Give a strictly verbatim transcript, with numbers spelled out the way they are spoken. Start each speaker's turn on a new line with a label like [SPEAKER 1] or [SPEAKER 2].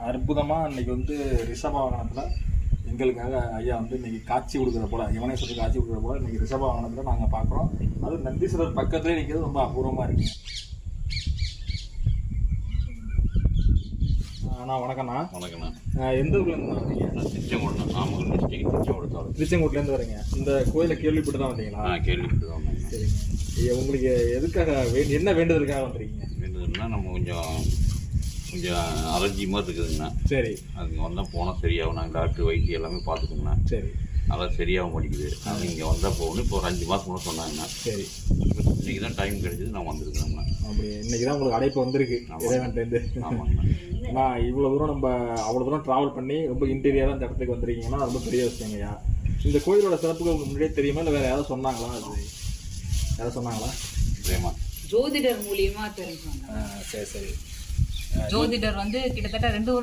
[SPEAKER 1] அற்புதமாக இன்னைக்கு வந்து ரிஷப வாகனத்தில் எங்களுக்காக ஐயா வந்து இன்னைக்கு காட்சி கொடுக்குற போல இவனே சொல்லி காட்சி கொடுக்குற போல இன்னைக்கு ரிஷப வாகனத்தில் நாங்கள் பார்க்குறோம். அதுவும் நந்தீஸ்வரர் பக்கத்துலேயே நிற்கிறது ரொம்ப அபூர்வமாக இருக்குங்க. அண்ணா வணக்கண்ணா.
[SPEAKER 2] வணக்கண்ணா.
[SPEAKER 1] எந்த ஊர்லேருந்து வந்தீங்க?
[SPEAKER 2] திருச்செங்கோடு, நாமக்கல் டிஸ்ட்ரிக்ட் திருச்செங்கோடு தாலுகா.
[SPEAKER 1] திருச்செங்கோட்லேருந்து வரீங்க. இந்த கோயிலை கேள்விப்பட்டு தான் வந்தீங்களா?
[SPEAKER 2] ஆ கேள்விப்பட்டு தான் வந்தேங்க.
[SPEAKER 1] சரிங்க. உங்களுக்கு எதுக்காக வே என்ன வேண்டுதலுக்காக வந்துருக்கீங்க?
[SPEAKER 2] வேண்டுதல்னா நம்ம கொஞ்சம் கொஞ்சம் அலர்ஜி மாதிரி இருக்குதுங்கண்ணா. சரி. அதுங்க வந்தால் போனால் சரியாகும். நாங்கள் டாக்டர் வைத்தியம் எல்லாமே பார்த்துக்கோங்கண்ணா. சரி. அதெல்லாம் சரியாக மாட்டேங்குது. அது இங்கே வந்தால் போகணும். இப்போ ஒரு அஞ்சு மாதம் கூட சொன்னாங்கண்ணா. சரி. இன்றைக்கி தான் டைம் கிடைச்சது நான் வந்திருக்கிறேங்கண்ணா. அப்படி
[SPEAKER 1] இன்றைக்கி தான் உங்களுக்கு அழைப்பு வந்திருக்கு இறைவன்லேருந்து.
[SPEAKER 2] ஆமாங்கண்ணா.
[SPEAKER 1] ஏன்னா இவ்வளோ தூரம் நம்ம அவ்வளோ தூரம் ட்ராவல் பண்ணி ரொம்ப இன்டீரியராக இந்த இடத்துக்கு வந்துருக்கீங்கன்னா ரொம்ப பெரிய விஷயங்கய்யா. இந்த கோயிலோட சிறப்புகள் உங்களுக்கு முன்னாடியே தெரியுமா இல்லை வேறு யாராவது சொன்னாங்களா? அது யாராவது சொன்னாங்களா?
[SPEAKER 3] தெரியுமா? ஜோதிடர் மூலியமாக தெரிஞ்சுவாங்க.
[SPEAKER 1] சரி சரி.
[SPEAKER 3] ஜோதிடர் வந்து கிட்டத்தட்ட ரெண்டு